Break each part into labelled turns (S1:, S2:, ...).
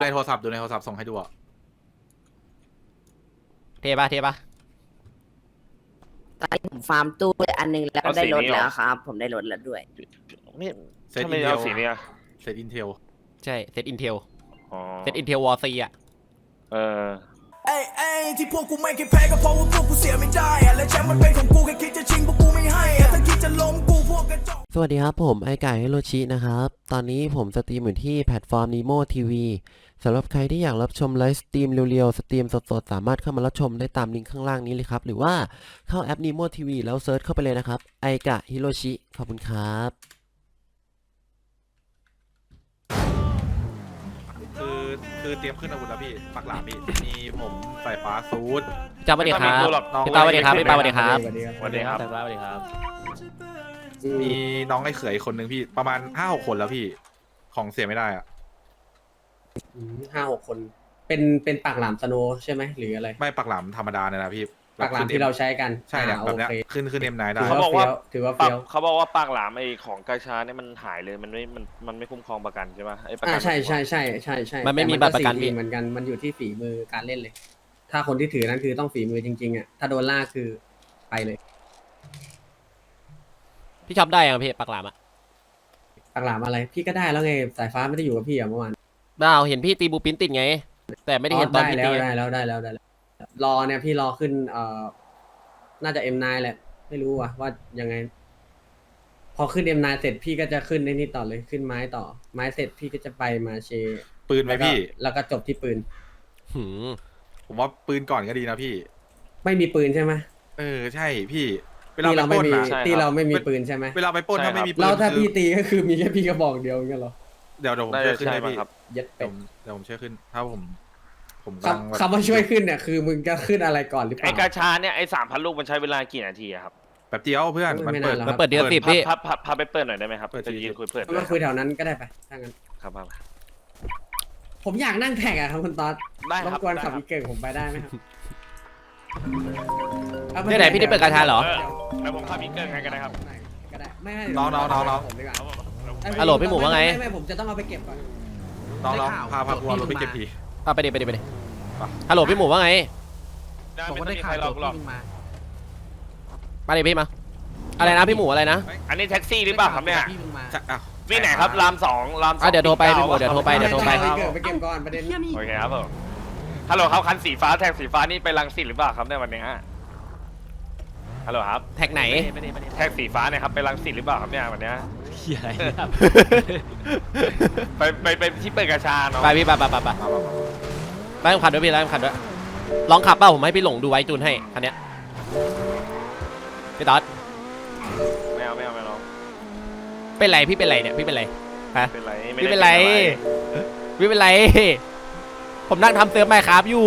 S1: โทรศัพท์ส่งให้ดูอ่ะ
S2: เทปะ
S3: ตอนนี้ผมฟาร์มตู้ไปอันนึงแล้วก็ได้รถแล้วครับ ผมได้รถแล้วด้วย
S4: ไม่
S1: เซต
S4: ทำ
S1: อิ
S4: ไม
S1: นเท
S4: เอา
S1: ล
S4: สีนี้อะ
S1: เซตอินเทล
S2: ใช่เซตอินเทล
S4: อ๋อ
S2: เซตอินเทลวอร์ซีอ่ะ
S4: เออ
S5: เอ้ยเอ้ยที่พวกกูไม่เคยแพ้ก็เพราะว่าพวกกูเสียไม่ได้อะและแชมป์มันเป็นของกูแค่คิดจะชิงพวกกูไม่ให้อะถ้าคิดจะล้มกูพวกกระจอก
S6: สวัสดีครับผมไอไก่ฮิโรชินะครับ ตอนนี้ผมสตรีมอยู่ที่แพลตฟอร์ม Nemo TV สำหรับใครที่อยากรับชมไลฟ์สตรีมเร็วๆ สตรีมสดๆ สามารถเข้ามารับชมได้ตามลิงก์ข้างล่างนี้เลยครับ หรือว่าเข้าแอป Nemo TV แล้วเซิร์ชเข้าไปเลยนะครับไอกะฮิโรชิขอบคุณครับ
S1: คือเตรียมขึ้นอาวุธแล้วพี่ปักหลามพี่มีผมสายฟ้าซูด
S2: จ้าสวัสดีครับ
S4: ไม่ต้องมีตัวหรอก
S2: พี่ตาสวัสดีครับพี่ปาสวัสดีครับ
S4: สวัสดีครับ
S2: สวัสดีครับ
S1: มีน้องไอ้เขยคนหนึ่งพี่ประมาณ5-6 คนแล้วพี่ของเสียไม่ได้อ่ะ
S7: 5-6 คน เป็นปากหลามสโนว์ใช่ไหมหรืออะไร
S1: ไม่ปักหลามธรรมดาเนี่ยนะพี่
S7: ปากหลามที่เราใช้กัน
S1: ใช่เนี่ยแบบเนี้ย
S7: โอเค
S1: ขึ้นเอ็มนายได้
S7: ถือ
S4: เขา
S7: ว่า
S4: บอกว่า
S7: ถือว่า
S4: ปรั
S7: เฟี้
S4: บ
S7: ยว
S4: เขาบอกว่าปากหลามไอของกาชาเนี่ยมันหายเลยมันไม่คุ้มครองประกันใช่ไหมไอประกั
S7: ใช่
S2: มันไม่มีบัตรประกัน
S7: แต่
S2: พี่
S7: เหมือนกันมันอยู่ที่ฝีมือการเล่นเลย ถ้าคนที่ถือนั้นคือต้องฝีมือจริงๆอ่ะถ้าโดนล่าคือไปเลย
S2: พี่ชอบได้ยังพี่ปากหลามอ่ะ
S7: ปากหลามอะไร พี่ก็ได้แล้วไงสายฟ้าไม่ได้อยู่กับพี่อ่ะเมื่อวาน
S2: บ้าเห็นพี่ตีบูปินติดไง แต่ไม่ได้เห็นตอน
S7: ได้
S2: พี่
S7: แล้
S2: ตี
S7: วได้แล้วรอเนี่ยพี่รอขึ้นน่าจะ M9 แหละไม่รู้ว่ายังไง พอขึ้น M9 เสร็จพี่ก็จะขึ้นในนี่ต่อเลยขึ้นไม้ต่อ ไม้เสร็จพี่ก็จะไปมาเช
S1: ปืนไหมพี่
S7: แล้วก็จบที่ปืน
S2: หืม
S1: ผมว่าปืนก่อนก็ดีนะพี่
S7: ไม่มีปืนใช่ไหม
S1: ใช่พี่เวลา
S7: ที่
S1: ไป
S7: เรา
S1: ป
S7: ไม่
S1: ล้น
S7: มี
S1: นะ
S4: ใช่ครับ
S7: ที่เราไม่มีปืนใช่ไหม
S1: เวลาไปปล้นถ้าไม่มีปืน
S7: แล้วถ้า
S1: คือ
S7: พี่ตีก็คือมีแค่พี่กระบอกเดียวอย่างเงี้ยเหรอ
S1: เดี๋ยวผม
S4: น่า
S1: ช่ว
S4: จะ
S1: ยขึ้น
S4: ใช่
S1: ให้
S4: มั้ง
S1: พี่
S4: ครับ
S7: เย็ดเป็ด
S1: เดี๋ยวผมช่วยขึ้นถ้าผมกำลังแบบ
S7: คำว่าช่วยขึ้นเนี่ยคือมึงจะขึ้นอะไรก่อนหรือเป
S4: ไอ
S7: ล่าก
S4: าชาเนี่ยไอ3,000 ลูกมันใช้เวลากี่นาทีอะครับ
S1: แบบเดียวเพื่อนมัน
S7: ไม่
S1: เปิด
S7: นานหรอก
S2: มันเปิดเดือน10พี่
S4: พาไปเปิดหน่อยได้ไหมครับ
S1: เปิด
S4: จะ
S1: ที
S4: ยืนคุยเปิด
S7: มาคุยแถวนั้นก็ได้ไปถ้างั้น
S4: ครับครับ
S7: ผมอยากนั่งแท็กอะครับคุณตอด
S4: ได้
S7: ร
S4: ครับ
S7: บกวน
S4: ได้
S7: ขับ
S4: ครับ
S7: อีกเก่งผมไปได้ไหมครับ
S2: ที่ไหนพี่ได้เปิดกาชาเหรอ
S4: แล้วผมพาพี่เกิ้งไงกันนะครับ
S7: ก็ได้ไม่
S1: น้อง
S7: ผมดีกว่า
S2: ฮัลโหลพี่หมูว่าไง
S7: ไม่ผมจะต้องเอาไปเก็บก่อน
S1: น้องพากูเอารถไปเก็บที
S2: ไปดิฮัลโหลพี่หมูว่าไง
S4: ผมก็ได้ข่าวหรอก
S2: มาดิพี่มา อะไรนะพี่หมูอะไรนะ
S4: อันนี้แท็กซี่หรือเปล่าครับเนี่ย วิ่งไหนครับราม2
S2: เดี๋ยวโทรไปพี่หมูเดี๋ยวโทรไป
S7: เอาไปเก็บไปเก็บก่อนประเด็น
S4: โอเคครับผมฮัลโหลครับคันสีฟ้าแท็กสีฟ้านี่ไปรังสิตหรือเปล่าครับในวันนี้ฮะฮัลโหลครับ
S2: แท็กไหน
S4: แท็กสีฟ้าเนี่ยครับไปรังสิตหรือเปล่าครับเนี่ยวันนี้
S2: เฮียอะไรเนี่ย
S4: ไปที่เปิดกระชาเนาะ
S2: ไปพี่ไปไล่ขับด้วยพี่ไล่ขับด้วยลองขับเปล่าผมให้พี่หลงดูไว้จูนให้คันเนี้ยพี่ต๊อด
S4: ไม่เอา
S2: เป็นไรพี่เป็นไรเนี่ยพี่เป็นไรฮะ
S4: เป็นไร
S2: พี่เป็นไรพี่เป็นไรผมนั่งทำเซิร์ฟไมค์ครับอยู่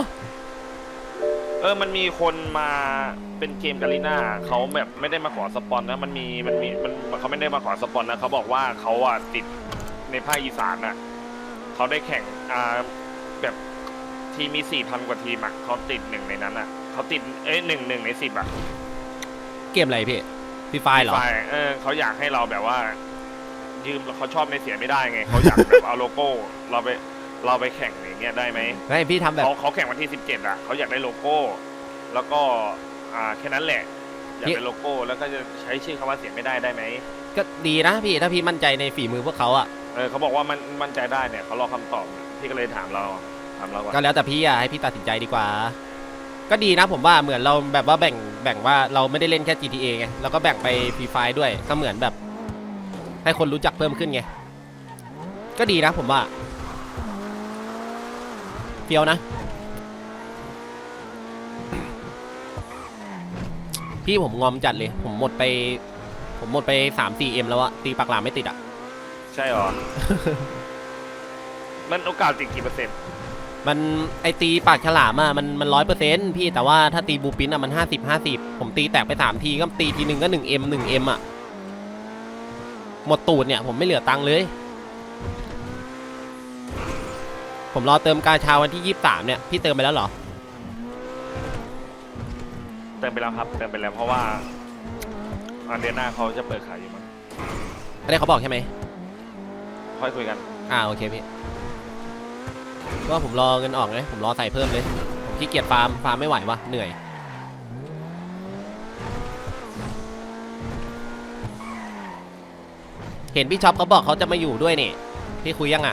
S4: มันมีคนมาเป็นเกมกาลิน่าเขาแบบไม่ได้มาขอสปอนนะมันเขาไม่ได้มาขอสปอนนะเขาบอกว่าเขาอ่ะติดในภาคอีสานน่ะเขาได้แข่งแบบทีมมี 4,000 กว่าทีมอ่ะเขาติดหนึ่งในนั้นอ่ะเขาติดหนึ่งใน 10อ่ะ
S2: เกมอะไรพี่ฟรีไฟเหรอ
S4: เขาอยากให้เราแบบว่ายืมเขาชอบในเสียไม่ได้ไงเขาอยากแบบเอาโลโก้เราไปแข่งอย่างเงี้ยได้ไหม
S2: ไม่พี่ทำแบบ
S4: เขาแข่งวันที่17อ่ะเขาอยากได้โลโก้ แล้วก็แค่นั้นแหละอยากได้โลโก้แล้วก็จะใช้ชื่อคำว่าเสียไม่ได้ไหม
S2: ก็ดีนะพี่ถ้าพี่มั่นใจในฝีมือพวกเขาอ่ะ
S4: เขาบอกว่ามันมั่นใจได้เนี่ยเขารอคำตอบพี่ก็เลยถามเราก่อน
S2: ก็แล้วแต่พี่อ่ะให้พี่ตัดสินใจดีกว่า ก็ดีนะผมว่าเหมือนเราแบบว่าแบ่งว่าเราไม่ได้เล่นแค่ GTA ไงเราก็แบ่งไปฟรีไฟด้วยก็เหมือนแบบ ให้คนรู้จักเพิ่มขึ้นไงก็ดีนะผมว่าเฟี้ยวนะพี่ผมงอมจัดเลยผมหมดไป 3-4M แล้วอะตีปากหลามไม่ติดอะ
S4: ใช่หรอ มันโอกาสติดกี่เปอร์เซ็นต์
S2: มันไอตีปากฉลามอะมัน100%พี่แต่ว่าถ้าตีบูปินอะมัน50ผมตีแตกไป3ทีก็ตีทีนึงก็ 1M อะหมดตูดเนี่ยผมไม่เหลือตังค์เลยผมรอเติมกาชาวันที่23เนี่ยพี่เติมไปแล้วเหรอ
S4: เติมไปแล้วครับเติมไปแล้วเพราะว่าเดือนหน้าเขาจะเปิดขายอยู่มั้ง
S2: ไม่ได้เขาบอกใช่ไหม
S4: ค่อยคุยกัน
S2: โอเคพี่ว่าผมรอเงินออกไงผมรอใส่เพิ่มเลยผมขี้เกียจฟาร์มไม่ไหววะเหนื่อยเห็นพี่ช็อปเขาบอกเขาจะมาอยู่ด้วยนี่พี่คุยยังอ่ะ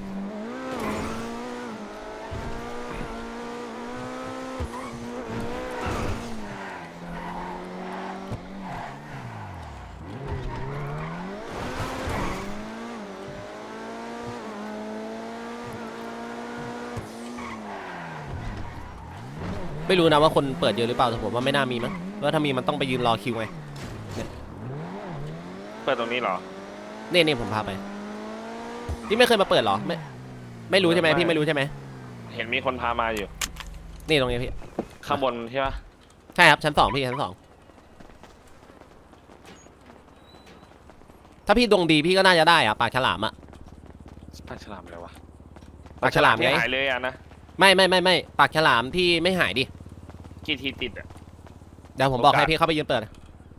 S2: ไม่รู้นะว่าคนเปิดเยอะหรือเปล่าแต่ผมว่าไม่น่ามีมั้งว่าถ้ามีมันต้องไปยืนรอคิวไง
S4: เปิดตรงนี้เหรอ
S2: นี่ผมพาไปพี่ไม่เคยมาเปิดเหรอไม่รู้ใช่ไหมพี่ไม่รู้ใช่ไหม
S4: เห็นมีคนพามาอยู่
S2: นี่ตรงนี้พี่
S4: ข้างบนใช่ปะ
S2: ใช่ครับชั้น2พี่ชั้น2ถ้าพี่ดวงดีพี่ก็น่าจะได้อะปากฉลามอะ
S4: ปลาฉลามอะไรวะ
S2: ปากฉลาม
S4: ที่
S2: ไง
S4: หายเลยอะนะ
S2: ไม่ปากฉลามที่ไม่หายดิ
S4: กี่ทีติดอะ
S2: เดี๋ยวผมบอก
S4: โอกาส
S2: ให้พี่เข้าไปยืนเปิด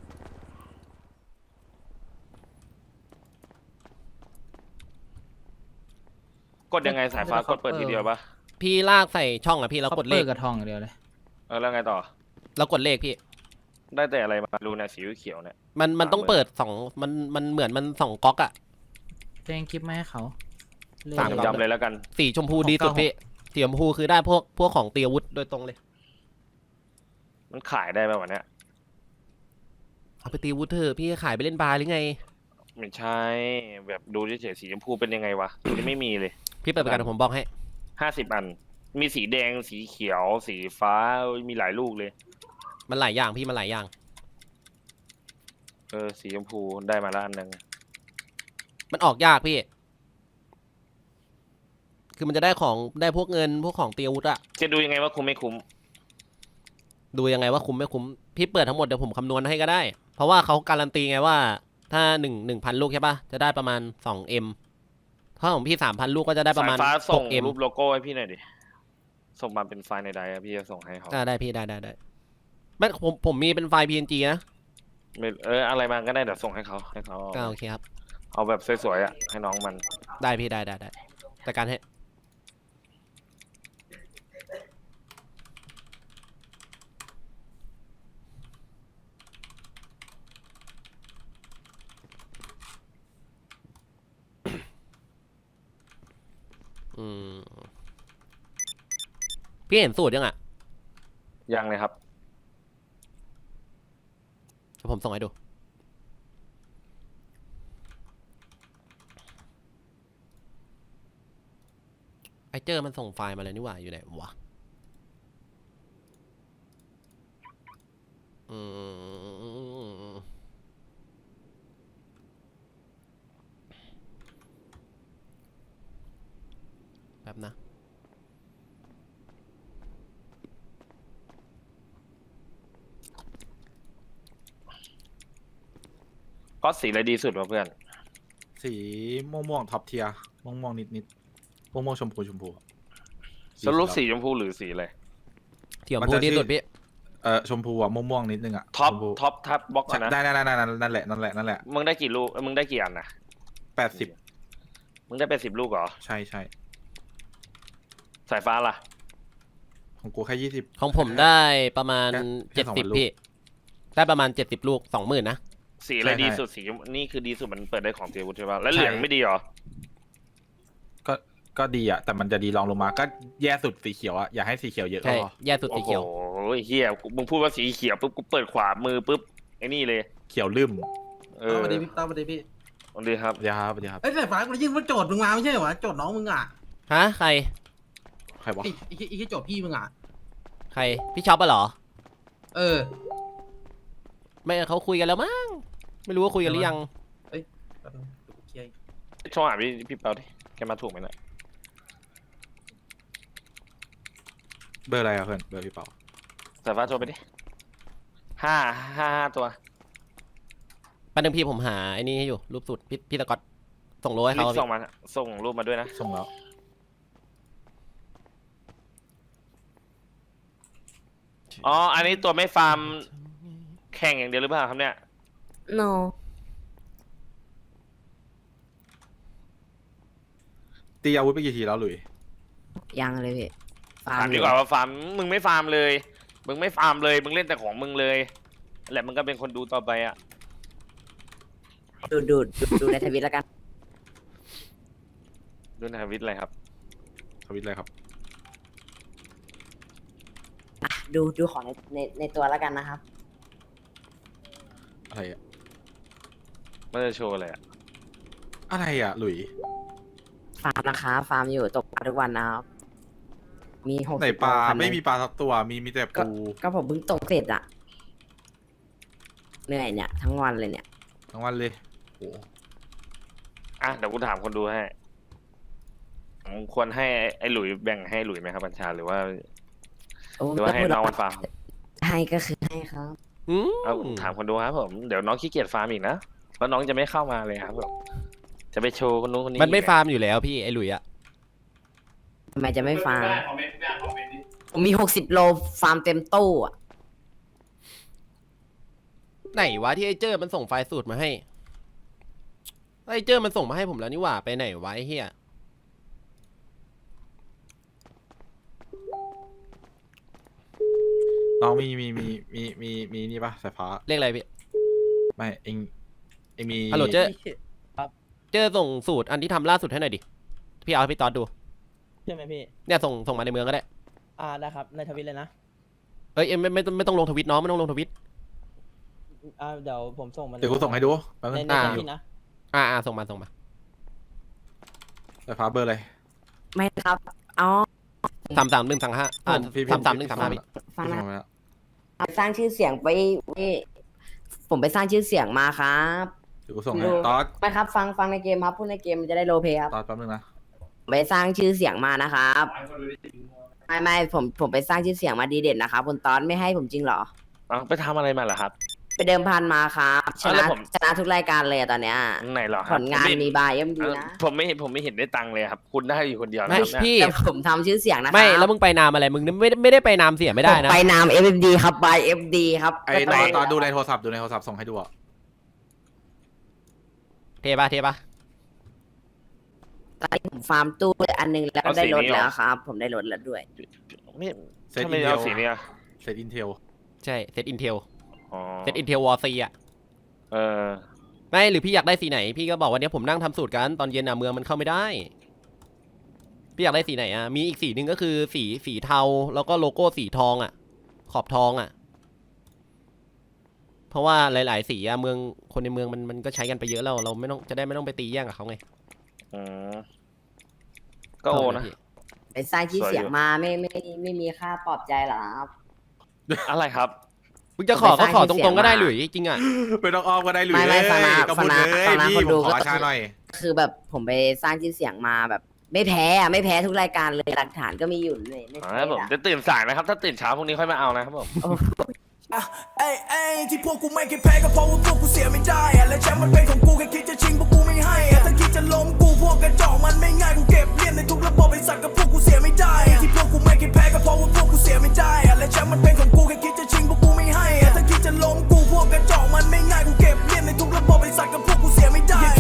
S4: กดยังไงสายฟ้ากดเปิดทีเดียวปะ
S2: พี่ลากใส่ช่องอะพี่แล้วกดเลข
S8: กับทองอย่างเดียวเลย
S4: แล้วไงต่อ
S2: แล้วกดเลขพี่
S4: ได้แต่อะไรมารูเนี่ยสีเขียวเนี่ย
S2: มันต้องเปิด2มันเหมือนมัน2ก๊อกอะ
S8: แจ้งคลิปมาให้เขา
S2: สาม
S4: จำเลยแล้วกัน
S2: สีชมพูดีสุดพี่สีชมพูคือได้พวกของเตรียมอาวุธโดยตรงเลย
S4: มันขายได้ไหมวะเนี่ย
S2: เอาไปตีอาวุธเถอะพี่ขายไปเล่นบาร์หรือไง
S4: ไม่ใช่แบบดูเฉยๆสีชมพูเป็นยังไงวะยังไม่มีเลย
S2: พี่เปิดประกันเดี๋ยวผมบอกให้
S4: 50 อัน มีสีแดงสีเขียว สีฟ้ามีหลายลูกเลย
S2: มันหลายอย่างพี่มันหลายอย่าง
S4: สีชมพูได้มาแล้วอันหนึง
S2: มันออกยากพี่ คือมันจะได้ของได้พวกเงินพวกของเตรียมอาวุธอะ
S4: จะดูยังไงว่าคุ้มไม่คุ้ม
S2: ดูยังไงว่าคุ้มไม่คุ้มพี่เปิดทั้งหมดเดี๋ยวผมคำนวณให้ก็ได้ เพราะว่าเขาการันตีไงว่าถ้า1,000 ลูกใช่ปะจะได้ประมาณ 2M ถ้าของพี่ 3,000 ลูกก็จะได้ประมาณ
S4: สายฟ้าส่ง
S2: 6M
S4: รูปโลโก้ให้พี่หน่อยดิ ส่งมาเป็นไฟล์ในไดร์อะพี่จะส่งให้เขา
S2: ได้พี่ได้ไม่ผมมีเป็นไฟล์ PNG นะ
S4: ไม่อะไรมาก็ได้เดี๋ยวส่งให้เขา
S2: โอเคครับ
S4: เอาแบบสวยๆอะให้น้องมัน
S2: ได้พี่ได้จัดการให้พี่เห็นสูตรยังอ่ะ
S4: ยังเลยครับ
S2: เดี๋ยวผมส่งให้ดูไอเจอมันส่งไฟล์มาเลยนี่หว่าอยู่ไหนวะแป๊บนะ
S4: ก็สีอะไรดีสุดวะเพื่อน
S1: สีม่วงท็อปเทียม่วงนิดม่วงชมพูอะ
S4: สรุปสีชมพูหรือสีอะไร
S2: เทียมพูดที่สุดพี่
S1: ชมพูอะม่วงนิดนึงอะ
S4: ท็อป
S1: ชมพู
S4: ท็อปทับบล็อก
S1: ใช่
S4: นะ
S1: ได้นั่นแหละ
S4: มึงได้กี่ลูกมึงได้กี่อันนะ
S1: 80
S4: มึงได้80 ลูกเหรอ
S1: ใช่
S4: สายฟ้าล่ะ
S1: ของกูแค่20
S2: ของผมได้ประมาณ
S1: แค่2,000
S2: 70พี่ได้ประมาณ70 ลูก 20,000นะ
S4: สีอะไร
S1: ใช่
S4: ดีสุดสีนี่คือดีสุดมันเปิดได้ของเตียวุฒิใช่ป่ะแล้วเหลืองไม่ดีเหรอ
S1: ก็ดีอะแต่มันจะดีรองลงมาก็แย่สุดสีเขียวอะอย่าให้สีเขียวเยอะก็
S2: ใช่
S1: พอ
S2: แย่สุดสี
S4: โอ้โห
S2: เขียว
S4: เฮียมึงพูดว่าสีเขียวปุ๊บกูเปิดขวามือปุ๊บไอ้นี่เลย
S1: เขียวลืม
S9: สวัสดีพี่ต้อมสวัสดีพี่
S4: สวัสดีครับ
S1: เดี๋ยวครับ
S9: เอ้ยสายฟ้ากูได้ยินว่าโจทย์มึงมาไม่ใช่เหรอวะโจทย์น้องมึงอ่ะ
S2: ฮะใคร
S1: ใครวะ
S9: ไอ้โจทย์พี่มึงอ่ะ
S2: ใครพี่ช็อปอะเหรอ
S9: เออ
S2: ไม่เขาคุยกันแล้วมั้งไม่รู้ว่าคุยกันหรือยัง
S9: แป๊บนึงเดี๋ยวกูเคลียร์
S4: โทรหาพี่เปาดิแกมาถูกไหมเนี่ย
S1: เบอร์อะไรอะเพื่อนเบอร์พี่เปา
S4: สายฟ้าโทรไปดิ5 ตัว
S2: แป๊บนึงพี่ผมหาไอ้นี่ให้อยู่รูปสุดพี่ตะก๊อตส่งโลให้
S4: รี
S2: เขา
S4: บส่งมาส่งรูปมาด้วยนะ
S1: ส่งแล้ว
S4: อ๋ออันนี้ตัวไม่ฟาร์มแข่งอย่างเดียวหรือเปล่าครับเนี่ย
S3: no
S1: ตีอาวุธไปกี่ทีแล้วหลุย
S3: ยังเลยพี่ฟาร์
S4: ถาม
S3: มอ
S4: ดี
S3: ยู่
S4: กว่าว่าฟาร์มมึงไม่ฟาร์มเลย มึงไม่ฟาร์มเลย มึงเล่นแต่ของมึงเลยแหละมึงก็เป็นคนดูต่อไปอ่ะ
S3: ดูในทวิตแล้วกัน
S4: ดูในทวิตอะไรครับ
S1: ทวิตอะไรครับ
S3: อ่ะดูของในตัวแล้วกันนะครับ
S1: อะไรอะ
S4: มันจะโชว์อะไรอ่ะ
S1: อะไรอะหลุย
S3: ฟาร์มนะคะฟาร์มอยู่ตกปลาทุกวันนะครับมี60
S1: ไหนปลา
S3: โคัน
S1: ไม่มีปลาสักตัวมีแต่
S3: ก็
S1: ปู
S3: ก็ผมเพิ่งตกเสร็จอะเหนื่อยเนี่ย ทั้งวันเลยเนี่ย
S1: ทั้งวันเลยโอ้
S4: อ่ะเดี๋ยวกูถามคนดูให้ผมควรให้ไอ้หลุยแบ่งให้หลุยไหมครับบัญชาหรือว่า
S3: โอ้
S4: หรือว่าให้
S3: พูด
S4: น้องมันฟาร์ม
S3: ให้ก็คือให้ครับ
S2: อืม
S4: เอาถามคนดูครับผมเดี๋ยวน้องขี้เกียจฟาร์มอีกนะแล้วน้องจะไม่เข้ามาเลยครับผมจะไปโชว์คนนู้นคนนี้
S2: มันไม่
S4: อีก
S2: ฟาร์มอยู่แล้วพี่ไอ้หลุยอะ
S3: ทำไมจะไม่ฟาร์มผมมี60 โลฟาร์มเต็มตู้อะ
S2: ไหนวะที่ไอ้เจอมันส่งไฟล์สูตรมาให้ไอ้เจอมันส่งมาให้ผมแล้วนี่หว่าไปไหนวะไอ้เฮีย
S1: น้องมีนี่ปะสายฟ้า
S2: เลขอะไรพี่
S1: ไม่เองมี
S2: ฮัลโหลเจอเจอส่งสูตรอันที่ทำล่าสุดให้หน่อยดิพี่เอาให้พี่ตอดดู
S8: ใช่ไหมพี่
S2: เนี่ยส่งมาในเมืองก็ได้
S8: ได้ครับ ในทวิตเลยนะ
S2: เอ้ยเอ็มไม่ต้องลงทวิตน้องไม่ต้องลงทวิต
S8: เดี๋ยวผมส่งมัน
S1: เดี๋ยวกูส่งให้ดูแป๊บนึง
S8: ใน
S1: อ่า
S8: ทวิตนะ
S2: ส่งมา
S1: สายฟ้าเบอร์อะไร
S3: ไม่ครับอ๋อ
S2: 33135
S1: พี่
S2: 33135พี่
S3: ฟัง
S1: พี่
S3: นะ
S1: ส่งมาแล้ว
S3: สร้างชื่อเสียงไปผมไปสร้างชื่อเสียงมาครับ
S1: เดี๋ยวกูส่งให้ตอด
S3: ไม่ครับฟังในเกมครับพูดในเกมมันจะได้โรลเพลย์ครับ
S1: ตอดแป๊บนึงนะ
S3: ไปสร้างชื่อเสียงมานะครับไม่ผมไปสร้างชื่อเสียงมาดีเด่นนะครับคุณตอนไม่ให้ผมจริงเหรอ
S4: เอาไปทำอะไรมาเหรอครับ
S3: ไปเดิมพันมาครับช
S4: แล้
S3: นะ
S4: วผม
S3: ชนะทุกรายการเลยอะตอนเนี้ย
S4: ไหนเหรอค
S3: ผ
S4: รับ
S3: ลงานมีบายย่อมดีนะ
S4: ผมไม่เห็นได้ตังค์เลยครับ คุณได้อยู่คนเดียวนะ
S2: ไม่
S4: ครับเนี่ย
S2: พี่
S3: แต่ผมทำชื่อเสียงนะครับ
S2: ไม่แล้วมึงไปนามอะไรมึงไม่ได้ไปนามเสียไม่ได้นะ
S3: ผมไปนาม FFD ครับ by FD ครับ
S1: ไอ้ตอดดูในโทรศัพท์ส่งให้ดูอ่ะ
S2: เทปะ
S3: ตอนนี้ผมฟาร์มตู้ไปอันนึงแล้วก็ได้รถแล้วครับ ผมได้รถแล้วด้วย
S4: ไม่
S1: เซต
S4: ทำ
S1: อิ
S4: ไม
S1: นเท
S4: เอา
S1: ล
S4: สีเนี้ย
S1: เซตอินเทล
S2: ใช่เซตอินเทล
S4: อ๋อ
S2: เซตอินเทลวอร์ซีอะ
S4: เออ
S2: ไม่หรือพี่อยากได้สีไหนพี่ก็บอกวันนี้ผมนั่งทำสูตรกันตอนเย็นอะเมืองมันเข้าไม่ได้พี่อยากได้สีไหนอะมีอีกสีหนึ่งก็คือสีเทาแล้วก็โลโก้สีทองอะขอบทองอะเพราะว่าหลายๆสีอะเมืองคนในเมืองมันก็ใช้กันไปเยอะแล้วเราไม่ต้องไปตีแย่งกับเขาไง
S4: อืมก็โอนะ
S3: ไปสร้างชื่อเสียง
S4: สวยอยู่
S3: มาไม่มีค่าปลอบใจเหรอครับ
S4: อะไรครับ
S2: มึงจะขอก็ขอตรงๆก็ได้หรือจริงอะ
S1: ไม่ต้องอ้อมก็ได้หรือ
S3: ไม่ฟังนะ
S1: ก็พูด
S3: ฟัง
S1: เล
S3: นะ
S1: ย
S3: ฟังนะ
S1: พี่
S3: คนดู
S1: ผมขอ
S3: ก็
S1: ชาหน่อย
S3: คือแบบผมไปสร้างชื่อเสียงมาแบบ ไม่แพ้ทุกรายการเลยหลักฐานก็มีอยู่เลยไม่
S4: อ๋อ
S3: แพ้
S4: ครับผม
S3: อะ
S4: จะตื่นสายนะครับ ถ้าตื่นเช้าพรุ่งนี้ค่อยมาเอานะครับผม
S3: โอ้
S5: เอ้ยที่พวกกูไม่เคยแพ้ก็เพราะว่าพวกกูเสียไม่ได้อะและแชมป์มันเป็นของกูแค่คิดจะชิงพวกกูไม่ให้อะถ้าคิดจะล้มกูพวกกระจอกมันไม่ง่ายกูเก็บเลียนในทุกระบบไอ้สัตว์กับพวกกูเสีย